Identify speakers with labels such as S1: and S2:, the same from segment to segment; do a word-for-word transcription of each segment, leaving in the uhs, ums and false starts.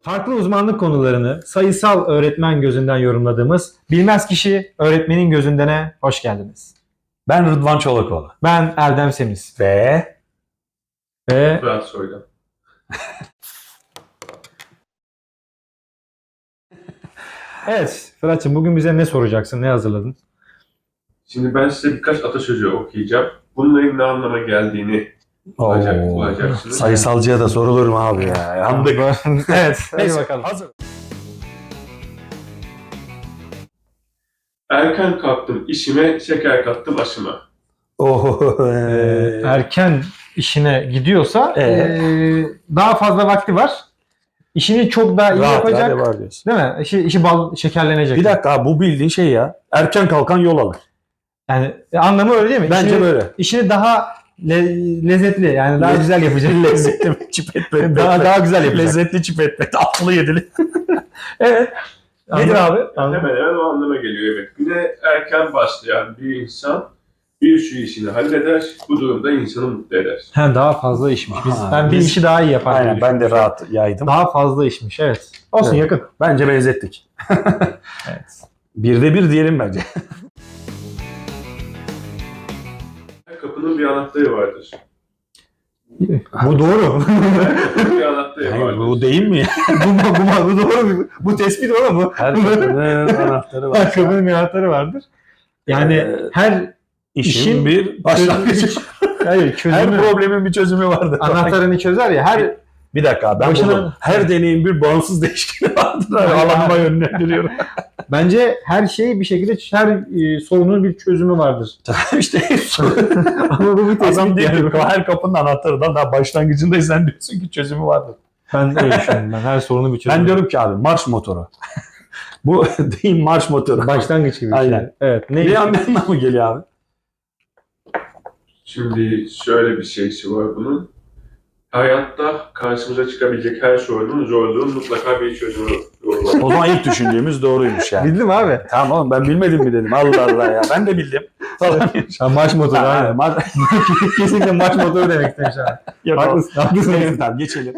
S1: Farklı uzmanlık konularını sayısal öğretmen gözünden yorumladığımız Bilmez Kişi Öğretmenin Gözünden'e hoş geldiniz.
S2: Ben Rıdvan Çolakoğlu.
S1: Ben Erdem Semiz.
S2: Ve
S1: Ve
S3: Fırat Soydan.
S1: evet Fırat'cığım bugün bize ne soracaksın, ne hazırladın?
S3: Şimdi ben size birkaç atasözü okuyacağım. Bunların ne anlama geldiğini bulacak,
S2: Oo,
S3: bulacaksınız.
S2: sayısalcıya da sorulur mu abi ya? Yandık.
S1: Evet, hadi
S2: Neyse,
S1: bakalım.
S2: hazır.
S3: Erken kalktım işime, şeker kattım aşıma.
S2: Oh,
S1: Ee, erken işine gidiyorsa
S2: Ee?
S1: ee, daha fazla vakti var. İşini çok daha iyi
S2: rahat
S1: yapacak.
S2: rahat var diyorsun.
S1: Değil mi? İşi, işi bal şekerlenecek.
S2: Bir dakika abi, bu bildiğin şey ya. Erken kalkan yol alır.
S1: Yani e, anlamı öyle değil mi?
S2: Bence
S1: İşini-
S2: böyle.
S1: İşini daha le- lezzetli yani daha
S2: Le-
S1: güzel yapacak.
S2: Lezzetli mi? Çipet
S1: daha daha güzel yapacak.
S2: Lezzetli çipet. Atlı yedili.
S1: Evet. Nedir abi?
S3: Hemen hemen o anlama geliyor, evet. Güne erken başlayan bir insan bir şu işini halleder, bu durumda insanı mutlu eder.
S1: He, daha fazla işmiş. Biz,
S2: Aha,
S1: ben bir
S2: biz-
S1: işi daha iyi yaparım.
S2: Aynen, ben de rahat yaydım.
S1: Daha fazla işmiş, evet. Olsun,
S2: Evet.
S1: yakın.
S2: Bence benzettik.
S1: Evet.
S2: Birde bir diyelim bence.
S3: Her kapının bir anahtarı vardır.
S1: Bu doğru.
S3: Her kapının bir anahtarı
S2: Hayır,
S3: vardır.
S2: bu değil mi ya?
S1: bu, bu, bu, bu doğru. Bu tespit doğru mu?
S2: Her kapının anahtarı var.
S1: Her kapının bir anahtarı vardır. Yani
S2: Ee,
S1: her
S2: İşin,
S1: işin
S2: bir başlangıcı.
S1: hayır,
S2: Her
S1: çözümü,
S2: problemin bir çözümü vardır.
S1: anahtarını çözer ya. Her
S2: Bir dakika abi, ben
S1: Başına-
S2: buldum. Her deneyin bir bağımsız değişkeni vardır.
S1: Hayır,
S2: Alanıma
S1: hayır.
S2: yönlendiriyorum.
S1: bence her şey bir şekilde her e, sorunun bir çözümü vardır.
S2: işte
S1: Ama bu bir
S2: adam
S1: tespit
S2: diyor
S1: yani.
S2: ki her kapının anahtarından daha başlangıcındayız, sen diyorsun ki çözümü vardır.
S1: Ben öyle düşünüyorum. Ben her sorunun bir çözümü.
S2: Ben diyorum ki abi, marş motoru. Bu değil, marş motoru.
S1: Başlangıç gibi bir şey.
S2: Aynen.
S1: Evet. Ne?
S2: Ne anlamına mı geliyor abi?
S3: Şimdi şöyle bir şeysi var bunun. Hayatta karşımıza çıkabilecek her sorunun, zorluğun mutlaka bir çözümü olur.
S2: O zaman ilk düşündüğümüz doğruymuş yani.
S1: Bildim abi.
S2: Tamam oğlum, ben bilmedim mi dedim. Allah Allah ya. Ben de bildim. Falan.
S1: Ha, marş motoru
S2: Ha,
S1: aynen.
S2: mar-
S1: Kesinlikle marş motoru demek istemiş abi.
S2: Yok,
S1: Haklısın. Haklısın.
S2: Neyse, tamam geçelim.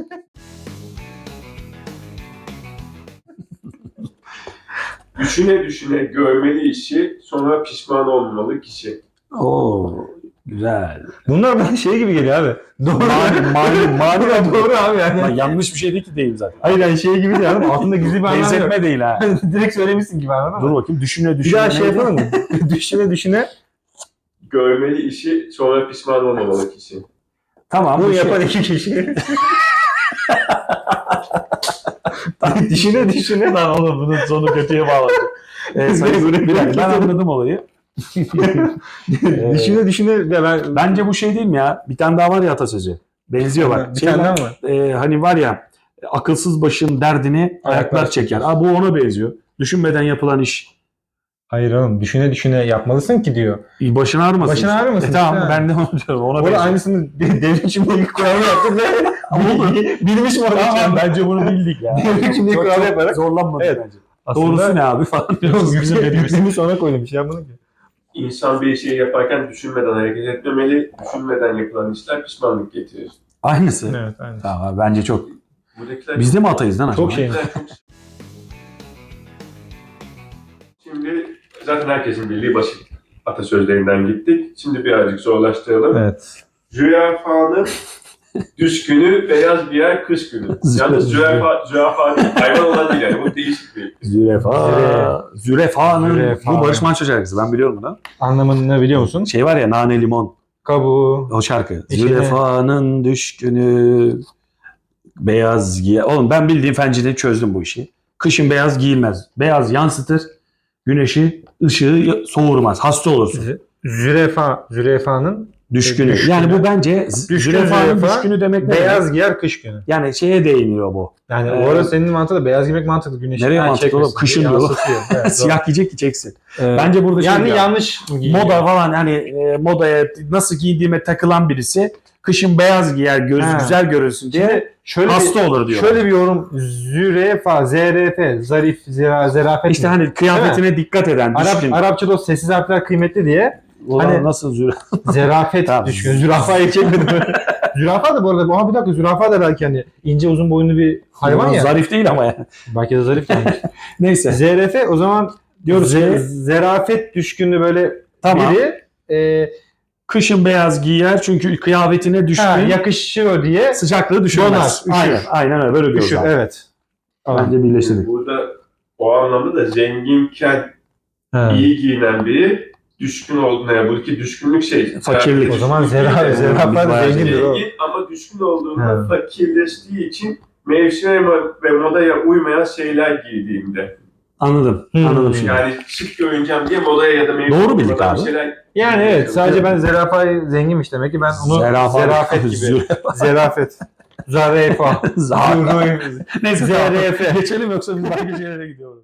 S3: Düşüne düşüne görmeli işi, sonra pişman olmamalı kişi.
S2: Oo, güzel.
S1: Bunlar bana şey gibi geliyor abi. Doğru.
S2: Mani, mani, mani
S1: Doğru, doğru abi yani.
S2: Ama yanlış bir şey değil ki, değil zaten.
S1: Hayır yani şey gibi değil abi. Altında gizli bir anlam yok.
S2: Benzetme değil ha.
S1: Direkt söylemişsin gibi anladın
S2: Dur
S1: mı?
S2: bakayım, düşüne
S1: Bir
S2: düşüne.
S1: daha şey
S2: neydi?
S1: yapalım mı? düşüne düşüne.
S3: Görmeli işi, sonra pişman olmamalı kişi.
S2: Tamam.
S1: Bunu
S2: bu şey-
S1: yapan iki kişi. düşüne düşüne.
S2: Lan oğlum, bunun sonu kötüye bağladı. Ee, sayın, bir dakika, ben anladım olayı. Ee,
S1: düşüne düşüne. Ve ben,
S2: Bence bu şey değil mi ya? Bir tane daha var ya atasözü. Benziyor bak.
S1: Bir
S2: Şey
S1: tane
S2: var,
S1: daha mı?
S2: e, hani var ya, akılsız başın derdini ayaklar çeker. Aa, bu ona benziyor. Düşünmeden yapılan iş.
S1: Hayır oğlum. Düşüne düşüne yapmalısın ki diyor.
S2: Başın ağrımasın.
S1: Başın
S2: işte.
S1: ağrımasın
S2: E, tamam,
S1: işte.
S2: ben de onu diyorum. Ona
S1: Orada
S2: benziyor.
S1: aynısını devrim şimdilik kuralı yaptık ve bilmiş mi olacak?
S2: Tamam, bence bunu bildik ya.
S1: Devrim şimdilik
S2: Çok-
S1: kuralı
S2: çok
S1: yaparak.
S2: zorlanmadık
S1: Evet.
S2: bence. Doğrusu ne abi falan diyoruz. Bizim dediğimiz.
S1: Yüklemiş ona koydum. Bir şey yapmadım ki.
S3: İnsan bir şeyi yaparken düşünmeden hareket etmemeli, düşünmeden yapılan işler pişmanlık getirir.
S2: Aynısı.
S1: Evet, aynen.
S2: Tamam abi, bence çok.
S3: Buradakiler
S2: Biz de mi atayız lan acaba?
S1: Çok şey.
S3: Buradakiler çok- Şimdi zaten herkesin bildiği basit atasözlerinden gittik. Şimdi birazcık zorlaştıralım.
S1: Evet.
S3: Zürafanın düşkünü beyaz giyer kış günü. Yalnız zürafa, zürafa değil, hayvan olan değil yani. Bu değişik bir.
S2: Zürefa.
S1: Züre-
S2: Zürefa'nın.
S1: Zürefa.
S2: Bu Barış Manço şarkısı. Ben biliyorum bunu.
S1: Anlamını ne biliyor musun?
S2: Şey var ya, Nane Limon.
S1: Kabuğu.
S2: O şarkı.
S1: İçine-
S2: Zürefa'nın düşkünü beyaz giyer. Oğlum, ben bildiğim fencide çözdüm bu işi. Kışın beyaz giyilmez. Beyaz yansıtır. Güneşi, ışığı soğurmaz. Hasta olursun.
S1: Zü- Zürefa. Zürefanın
S2: Düşkünü.
S1: Düşkünü.
S2: Yani bu bence z-
S1: Düşkün
S2: zürefanın
S1: zürefa,
S2: düşkünü demek ne
S1: beyaz
S2: demek?
S1: giyer kış günü.
S2: Yani şeye değiniyor bu.
S1: Yani
S2: Ee,
S1: o arada senin mantığı da beyaz giymek mantıklı. Güneşin
S2: Nereye
S1: her
S2: mantıklı oğlum?
S1: çekmesin
S2: Kışın
S1: diye
S2: diyor oğlum.
S1: yansıtıyor. Evet, doğru.
S2: Siyah giyecek ki çeksin.
S1: Ee,
S2: Bence burada şey
S1: yani
S2: ya,
S1: yanlış mı giyiyor?
S2: moda falan, hani e, modaya nasıl giydiğime takılan birisi kışın beyaz giyer, göz
S1: Ha.
S2: güzel görünsün diye
S1: Şimdi şöyle
S2: hasta
S1: bir,
S2: olur diyor.
S1: şöyle bir yorum. Zürefa, zeref, zarif, zera, zerafet.
S2: İşte
S1: mi?
S2: hani kıyafetine dikkat eden,
S1: Arap,
S2: düşkün.
S1: Arapçada o sessiz harfler kıymetli diye
S2: Ulan
S1: hani-
S2: nasıl züre?
S1: zerafet
S2: Tamam.
S1: düşkün. Zürafayı çekmedim. Zürafa da bu arada. Aha bir dakika zürafa da belki hani ince uzun boyunlu bir hayvan ya.
S2: Zarif değil ama yani.
S1: Belki de zarif yani.
S2: Neyse.
S1: Z R F o zaman
S2: Diyoruz
S1: Z-
S2: ki
S1: zerafet düşkünü böyle
S2: tamam.
S1: biri e,
S2: Kışın beyaz giyer çünkü kıyafetine düşkün.
S1: ha, yakışıyor diye
S2: Sıcaklığı düşürmez.
S1: Donar, üşür.
S2: Aynen, aynen öyle. Böyle diyoruz.
S1: düşün.
S2: abi.
S1: Evet.
S2: Bence birleştirdik.
S3: Burada o anlamda da zenginken
S1: Ha.
S3: iyi giyinen biri düşkün olduğuna, yani buradaki düşkünlük şey.
S2: Fakirlik.
S1: O zaman
S3: Düşkün
S1: zera,
S3: değil de,
S1: zerafa da
S2: bayağı
S1: zengindir o.
S3: zengin ama düşkün olduğunda
S1: Ha.
S3: fakirleştiği için mevsime ve modaya uymayan şeyler giydiğinde.
S2: Anladım.
S1: Hmm.
S2: Anladım şimdi.
S3: Yani şık görüneceğim diye modaya ya da mevsime
S2: Doğru bildik
S3: uymadan
S2: abi.
S3: şeyler.
S1: Yani evet sadece ben zerafayı zenginmiş demek ki ben onu
S2: Zerafa-
S1: zerafet gibi.
S2: Zürafa.
S1: Zerafet. Zarefa.
S2: Zaten. Neyse
S1: Z R F.
S2: tamam. Geçelim yoksa biz başka şeylere gidiyoruz.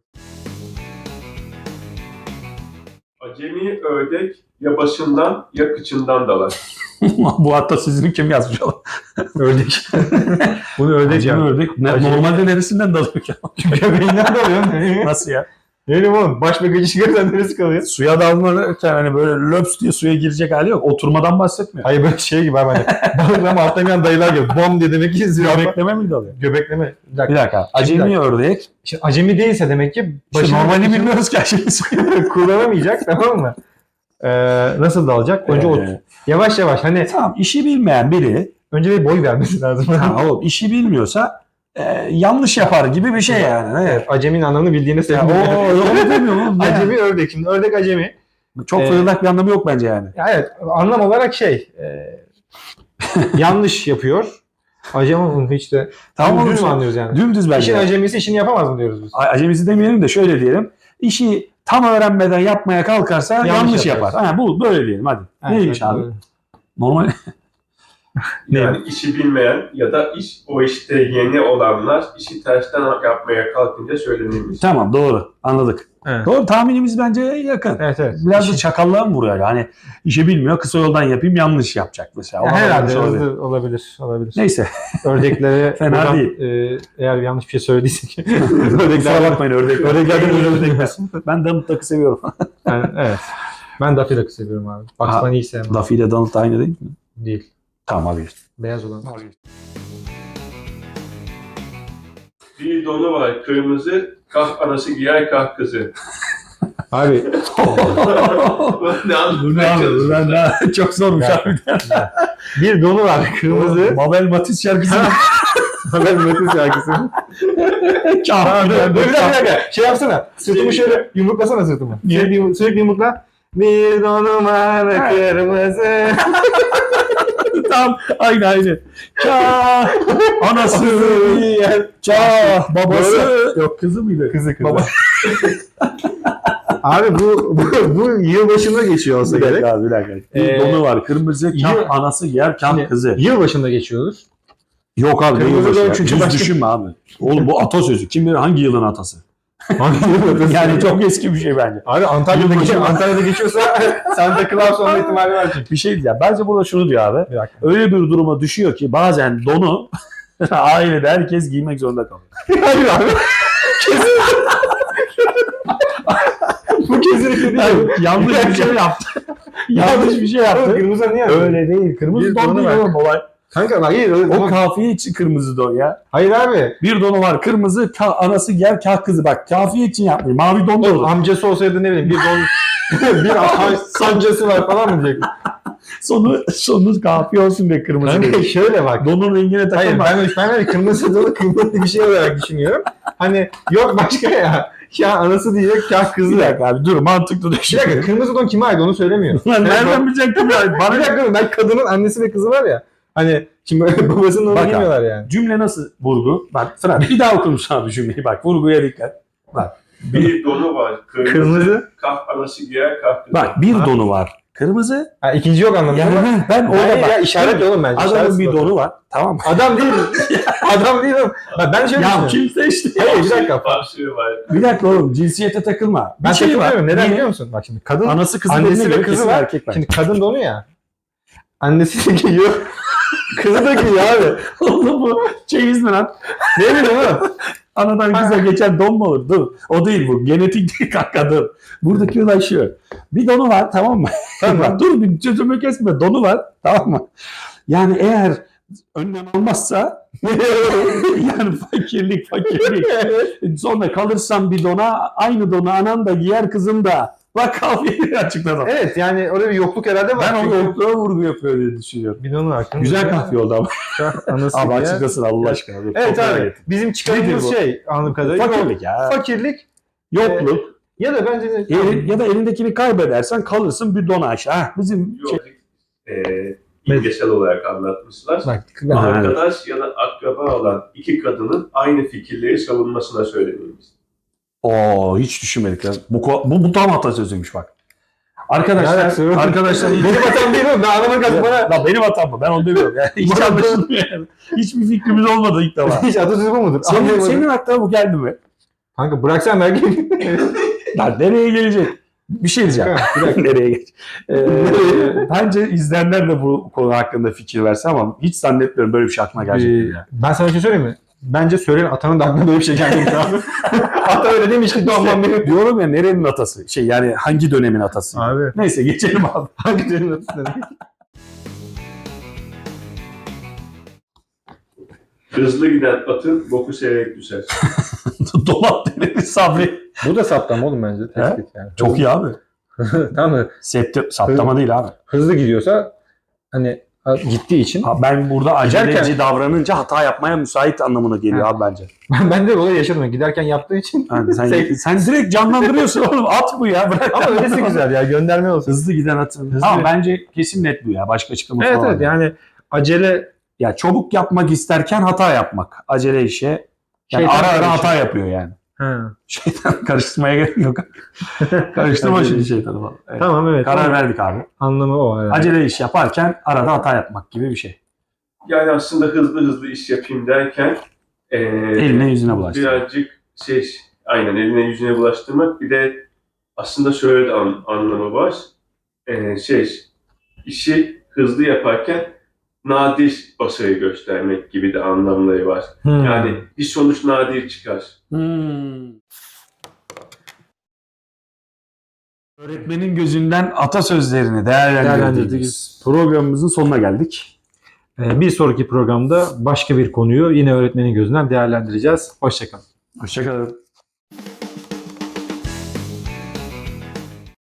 S3: Acemi ördek ya başından ya kıçından dalar.
S2: Bu hatta sizin kim yazmış oğlum?
S1: Ördek. Bunu ördek
S2: Acemi
S1: ya.
S2: ördek. Ne,
S1: Acemi-
S2: normalde neresinden dalıyor ki?
S1: Göbeğinden dalıyor.
S2: Nasıl ya?
S1: Ne bileyim oğlum baş ve gıcı çıkarsan neresi kalıyor?
S2: Suya dalmanırken hani böyle löps diye suya girecek hali yok. Oturmadan bahsetmiyor.
S1: Hayır böyle şey gibi abi hani. Balık ama atlamayan dayılar gibi. Bom diye demek ki zürafa.
S2: Göbekleme mi dalıyor?
S1: Göbekleme. Bir dakika.
S2: Bir dakika. Acemi ördek.
S1: Şimdi acemi değilse demek ki
S2: İşte
S1: başını
S2: normalini bilmiyoruz ki aşırı.
S1: kullanamayacak tamam mı? Ee, nasıl dalacak? Önce ot.
S2: Ee,
S1: Yavaş yavaş hani
S2: Tamam işi bilmeyen biri
S1: önce bir boy vermesi lazım.
S2: ha, oğlum işi bilmiyorsa e, yanlış yapar gibi bir şey yani. Ne?
S1: Evet, acemin anlamını bildiğine
S2: Ya,
S1: sevindim.
S2: o onu demiyorum oğlum. Ne?
S1: Acemi ördek. Şimdi ördek acemi.
S2: Çok
S1: Ee,
S2: fırıldak bir anlamı yok bence yani.
S1: Ya evet anlam olarak şey e, yanlış yapıyor. Acemi hiç de
S2: Tamam
S1: tamam,
S2: oğlum,
S1: düz mü
S2: sen-
S1: anlıyoruz yani?
S2: Dümdüz bence.
S1: İşin acemisi işini yapamaz mı diyoruz biz?
S2: A- Acemisi demeyelim de şöyle diyelim. İşi tam öğrenmeden yapmaya kalkarsa yanlış,
S1: Yanlış
S2: yapar.
S1: yapar.
S2: Ha, bu böyle diyelim hadi.
S1: Evet,
S2: Neymiş
S1: evet,
S2: abi?
S1: doğru.
S2: Normal.
S3: Yani işi bilmeyen ya da iş o işte yeni olanlar işi tersten yapmaya kalkınca söylenilmiş.
S2: Tamam doğru. Anladık.
S1: Evet.
S2: Doğru tahminimiz bence yakın.
S1: Evet evet.
S2: Biraz da
S1: İşin-
S2: çakallığa mı vuruyor? Hani işi bilmiyor kısa yoldan yapayım yanlış yapacak mesela.
S1: Ya
S2: Ona
S1: herhalde
S2: yanlış olabilir.
S1: hızlı olabilir. Olabilir.
S2: Neyse.
S1: Ördeklere
S2: Fena
S1: buradan,
S2: değil.
S1: e, eğer yanlış bir şey söylediyse
S2: Kusura
S1: ördekler
S2: bakmayın ördek.
S1: Ördeklerden özür dilerim.
S2: Ben Donald Duck'ı seviyorum.
S1: yani, evet. Ben Daffy Duck'ı seviyorum abi. Bugs
S2: Ha.
S1: Bunny'yi sevmem.
S2: Duffy ile Donald aynı değil mi?
S1: Değil.
S2: Tamam abi.
S1: Beyaz olan.
S3: Bir donu var kırmızı, kah anası giyer kah kızı.
S1: Abi
S3: ne
S2: Bu ne
S3: anlatmaya
S2: abi? Bu
S3: çalışıyorsun?
S2: ne? Çok zormuş
S1: Ya.
S2: abi.
S1: bir donu var kırmızı.
S2: Mabel Matiz şarkısı.
S1: Ben Metin şarkısı.
S2: Kahve.
S1: Bir dakika bir dakika. Şey yapsana. Sırtımı şöyle yumruklasana sırtımı.
S2: Niye?
S1: Sürekli, sürekli yumrukla. Bir donu var kırmızı.
S2: Tam aynı aynı. Kah anası
S1: Yer.
S2: kah babası.
S1: Doğru.
S2: Yok kızı mıydı?
S1: Kızı kızı.
S2: Baba.
S1: Abi bu, bu, bu yılbaşında geçiyor olsa
S2: Bir
S1: gerek.
S2: dakika abi bir dakika. Bir
S1: Ee,
S2: donu var kırmızı kah
S1: yıl-
S2: anası yer kah
S1: Şimdi,
S2: kızı.
S1: Yılbaşında geçiyoruz.
S2: Yok abi
S1: Kırmızı
S2: değil
S1: don
S2: ya.
S1: çünkü
S2: Düz
S1: başka-
S2: düşünme abi. Oğlum bu atasözü. Kim bilir hangi yılın atası? Yani çok eski bir şey bence.
S1: Abi Antalya'da,
S2: Yılbaşı-
S1: geçiyor, Antalya'da geçiyorsa Santa Claus olma ihtimali var çünkü.
S2: Bir şey diyeceğim. Bence burada şunu diyor abi.
S1: Bir dakika.
S2: Öyle bir duruma düşüyor ki bazen donu ailede herkes giymek zorunda kalıyor.
S1: Hayır abi. Kesin. Bu kesinlikle değil.
S2: Yani yanlış bir şey yaptı. yanlış bir şey yaptı.
S1: Kırmızı niye yaptın?
S2: Öyle değil. Kırmızı
S1: Bir
S2: don
S1: donu
S2: değil
S1: var.
S2: oğlum olay.
S1: Kanka hayır. öyle-
S2: O kafiye için kırmızı don ya.
S1: Hayır abi.
S2: Bir donu var kırmızı, ka- anası yer kah kızı. Bak kafiye için yapmıyor. Mavi don da
S1: Oğlum,
S2: olur.
S1: amcası olsaydı ne bileyim bir don bir a- sancası var falan mı diyecek?
S2: Sonu, sonu kafiye olsun be kırmızı.
S1: Kanka
S2: değil.
S1: şöyle bak.
S2: Donun rengine
S1: Hayır
S2: takılma.
S1: ben, ben öyle kırmızı dolu kıymetli bir şey olarak düşünüyorum. Hani yok başka ya. Ya anası diyecek ya kızı.
S2: Bir
S1: Bir
S2: dakika abi dur mantıklı düşün.
S1: dakika kırmızı don kime ait onu söylemiyor.
S2: Lan nereden bilecektim ya? Bana
S1: Bir dakika ben kadının annesi ve kızı var ya. Hani şimdi babasının onu
S2: Bak abi.
S1: bilmiyorlar yani.
S2: Cümle nasıl vurgu? Bak Fırat bir daha okur musun abi cümleyi? Bak vurguya dikkat.
S3: Bir donu var kırmızı,
S1: Kırmızı.
S3: kah anası giyer kah kızı.
S2: Bak bir
S1: Ha.
S2: donu var. Kırmızı.
S1: Ha, ikinci yok anlamında.
S2: Yani
S1: ama-
S2: ben orada
S1: Hayır
S2: bak.
S1: ya işaret oğlum bence.
S2: Adamın
S1: işaret
S2: bir
S1: sıfır.
S2: donu var. Tamam mı?
S1: Adam değil. Adam değil oğlum. Bak ben şöyle
S2: Ya
S1: düşünüyorum.
S2: kimse işte.
S1: Hayır bir dakika.
S3: Başlığı var.
S2: Bir dakika oğlum cinsiyete takılma. Bir
S1: Ben
S2: şey var.
S1: takılmıyorum. Neden
S2: Niye?
S1: biliyor musun? Bak şimdi kadın
S2: Anası kızı
S1: annesi
S2: dediğine
S1: ve
S2: göre
S1: kızı
S2: kesin
S1: var.
S2: erkek var.
S1: Şimdi kadın donu ya. Annesi de giyiyor. Kızı da giyiyor abi.
S2: Oğlum bu çeyiz mi lan?
S1: Ne bileyim oğlum.
S2: Anadan kıza geçen don mu olur? Dur. O değil bu. Genetik değil kanka dur. Buradaki olay şu. Bir donu var tamam mı?
S1: Tamam.
S2: Dur bir sözümü kesme. Donu var tamam mı? Yani eğer önlem almazsa yani fakirlik fakirlik. Sonra kalırsan bir dona aynı donu anan da giyer kızım da. Bak kahveyi açıkladım.
S1: Evet yani orada bir yokluk herhalde var.
S2: Ben o
S1: Çünkü
S2: yokluğa vurgu yapıyor diye düşünüyorum.
S1: bidonun hakkında.
S2: Güzel kahve oldu ama.
S1: Anası
S2: Abi
S1: diye.
S2: açıklasın Allah aşkına. Dur,
S1: Evet
S2: çok
S1: abi.
S2: merak ettim.
S1: Bizim
S2: Nedir
S1: çıkarımız
S2: bu?
S1: şey anladığım kadarıyla.
S2: Fakirlik ya.
S1: Fakirlik
S2: Yokluk.
S1: ya da bence de
S2: Eli- ya da elindekini kaybedersen kalırsın bir dona aşağı. Ha, bizim şey,
S3: Yok, e, imgesel olarak anlatmışlar.
S1: bak
S3: Arkadaş ya da akraba olan iki kadının aynı fikirleri savunmasına söylememiz.
S2: Oo hiç düşünmedik ya. Bu, ko- bu, bu tam atasözüymüş bak.
S1: Yani
S2: Arkadaşlar,
S1: söyle-
S2: arkadaşlar
S1: benim hatam değil mi? Ben anlamak lazım bana.
S2: Lan benim hatam mı? Ben onu demiyorum. Yani hiç
S1: Bana-
S2: anlaşılmıyor yani. Hiçbir fikrimiz olmadı ilk defa.
S1: Hiç atasözü bu mudur?
S2: Senin,
S1: Anlayamadım.
S2: senin aklına bu geldi mi?
S1: Kanka bıraksan belki.
S2: Lan nereye gelecek? Bir şey diyeceğim.
S1: Bir dakika.
S2: Nereye geç? Ee, bence izleyenler de bu konu hakkında fikir verse ama hiç zannetmiyorum böyle bir şey aklına gelecek.
S1: Ee,
S2: ya.
S1: ben sana bir şey söyleyeyim mi? Bence söyleyen atanın da aklına böyle bir şey geldi abi. Ata öyle demiş ki doğmam benim.
S2: Diyorum ya nerenin atası? Şey yani hangi dönemin atası?
S1: Abi
S2: Neyse geçelim abi.
S1: hangi dönemin atası demek?
S3: Hızlı giden atın boku seyrek düşer.
S2: Dolap denedi Sabri.
S1: Bu da saptama oğlum bence. Tespit yani.
S2: Çok iyi abi.
S1: Tamam mı?
S2: Septi, saptama değil abi.
S1: Hızlı gidiyorsa hani gittiği için
S2: Ha, ben burada aceleci
S1: Giderken-
S2: davranınca hata yapmaya müsait anlamına geliyor
S1: Ha.
S2: abi bence.
S1: ben, ben de olay yaşadım. Giderken yaptığı için.
S2: Yani sen,
S1: Sen-
S2: sen direkt canlandırıyorsun oğlum. At bu ya. Bırak.
S1: Ama öylesi güzel ya. Gönderme olsun.
S2: Hızlı giden atın.
S1: Hızlı.
S2: Ama bence kesin net bu ya. Başka açıklaması
S1: Evet
S2: var.
S1: evet yani acele
S2: Ya çabuk yapmak isterken hata yapmak. Acele işe. Yani
S1: Şeytan
S2: ara ara
S1: karışıyor.
S2: hata yapıyor yani.
S1: ha.
S2: Şeytan karıştırmaya gerek yok. Karıştırma
S1: Acele
S2: şimdi
S1: iş.
S2: şeytanı falan. Evet.
S1: Tamam evet.
S2: Karar
S1: Tamam.
S2: verdik abi.
S1: Anlamı o. Evet.
S2: Acele iş yaparken arada hata yapmak gibi bir şey.
S3: Yani aslında hızlı hızlı iş yapayım derken e,
S2: Eline yüzüne bulaştı.
S3: birazcık şey, aynen eline yüzüne bulaştırmak. Bir de aslında şöyle de an- anlamı var. E, şey, işi hızlı yaparken nadir başarı göstermek gibi de anlamları var.
S1: Hmm.
S3: Yani bir sonuç nadir çıkar.
S2: Hmm. Öğretmenin gözünden atasözlerini değerlendirdiğimiz
S1: Değerlendirdiğimiz
S2: programımızın sonuna geldik.
S1: Ee, bir sonraki programda başka bir konuyu yine öğretmenin gözünden değerlendireceğiz. Hoşçakalın.
S2: Hoşçakalın.